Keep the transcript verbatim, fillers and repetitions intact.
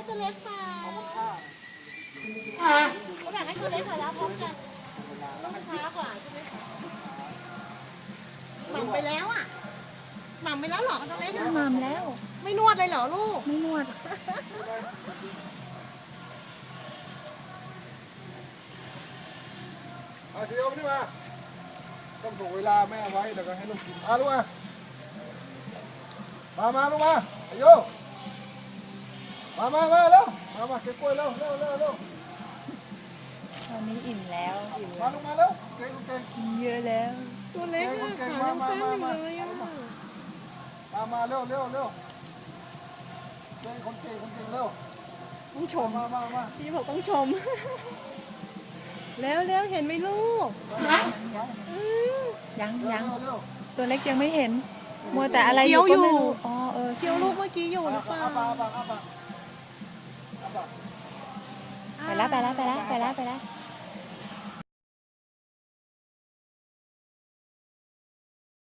ตัวเล็กเปล่าเอามาฆ่าเขาแบ่งให้ตัวเล็กหน่อยแล้วพร้อมกันต้องช้ากว่าใช่ไหมคะหม่ำไปแล้วอ่ะหม่ำไปแล้วเหรอตัวเล็กหม่ำแล้วไม่นวดเลยเหรอลูกไม่นวดเอาสิเอานี่มาต้องถูกเวลาแม่ไว้แล้วก็ให้ลูกกินมาลูกมามามาลูกมาอายุมามามาเร็วมามาเก็บกล้วยเร็วเร็วเร็วเร็วตอนนี้อิ่มแล้วอิ่มมาลูกมาเร็วเก่งเก่งกินเยอะแล้วตัวเล็กอะขายังสั้นอยู่เลยอ่ะมามาเร็วเร็วเร็วเก่งคนเก่งคนเก่งเร็วต้องชมมามามาพี่บอกต้องชม แล้วแล้วเห็นไหมลูก อืมยังเร็วยังเร็วเร็วตัวเล็กยังไม่เห็น มัวแต่อะไรอยู่ก็ไม่รู้อ๋อเออเคี้ยวลูกเมื่อกี้อยู่หรือเปล่าอาปากอาปากอาปากอาปากไปแล้วไปแล้วไปแล้วไปแล้วไปแล้ว